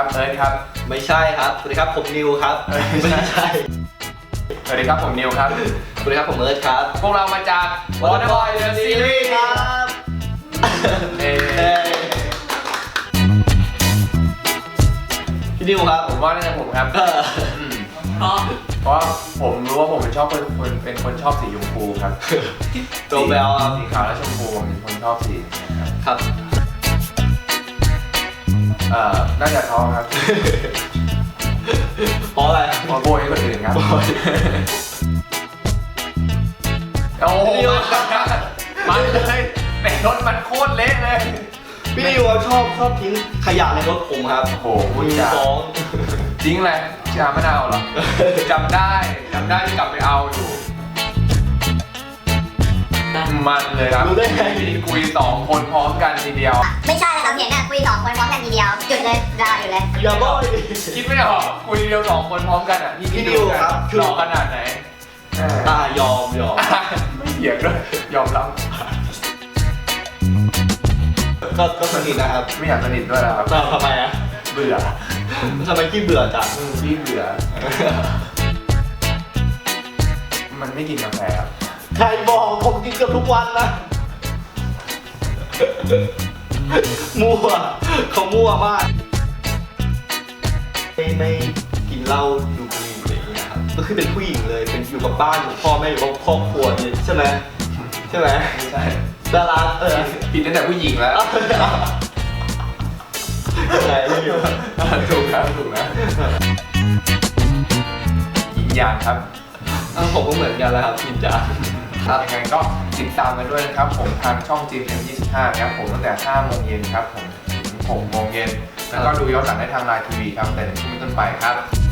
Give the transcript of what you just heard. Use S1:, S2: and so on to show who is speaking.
S1: ครับเอิร์ธครับ
S2: ไม่ใช่ครับสวัสดีครับผมนิวครับไม่ใช่
S1: สวัสดีครับผมนิวครับ
S2: สวัสดีครับผมเอิร์ธครับ
S1: พวกเรามาจาก Waterboy The Series
S2: ครับพี่นิวครับ
S1: ผมว่าน่าจะผมครับเพราะผมรู้ว่าผมเป็นคนชอบสีชมพูครับ
S2: ตัวแบล
S1: สีขาวและชมพูผมเป็นคนชอบสี
S2: ครับ
S1: น่าจะเขาครับ
S2: เพราะอะไร
S1: เพราะโบยให้คนอื่นครับโอ้โหมันเลยแต่รถมันโคตรเละเลย
S2: พี่นิวชอบทิ้งขยะในรถผมครับ
S1: โอ้โหฟ้องจริงแหละชามะนาวเหรอจำได้ที่กลับไปเอาอยู่มันเลยครับ
S2: รู้ได้ไง
S1: คุย2 คนพร้อมกันทีเดียว
S3: ไม่ใช่นะครับเนี่ยคุย2 คนพร้อมกันทีเดียวหยุดเลยดาวอยู่เลย
S2: อย่าบอก
S1: คิดไม่ออกคุยเดียว2 คนพร้อมกันอ่ะ
S2: พี่นิวครับ
S1: หล่อขนาดไหน
S2: ยอม
S1: ไม่เถียงด้วยยอมรับ
S2: ก็สนิทนะครับ
S1: ไม่อยากสนิทด้วยนะครับ
S2: ทำไมอ่ะ
S1: เบื่อ
S2: ทำไมขี้เบื่อจัง
S1: ขี้เบื่อมันไม่กินกาแฟครับ
S2: ใครบอกผมกินเกือบทุกวันนะมั่วเขามั่วมากไม่กินเหล้าดูบุหรี่อะไรอย่างเงี้ยครับก็คือเป็นผู้หญิงเลยเป็นอยู่กับบ้านอยู่พ่อแม่อยู่กับครอบครัวนี่ใช่ไหม
S1: ไม่ใช่
S2: ดารา
S1: ผิดตั้งแต่ผู้หญิงแล้ว
S2: อะไรอยู่
S1: ถูกนะหญิงยานครับ
S2: ผมก็เหมือนกันแล้วครับหญิงยาน
S1: ครับยังไงก็ติดตามกันด้วยนะครับผมทางช่อง GM25 ครับผมตั้งแต่ 5 โมงเย็นครับผมถึง 6 โมงเย็นแล้วก็ดูย้อนหลังได้ทางไลน์ทีวีครับแต่1 ทุ่มเป็นต้นไปครับ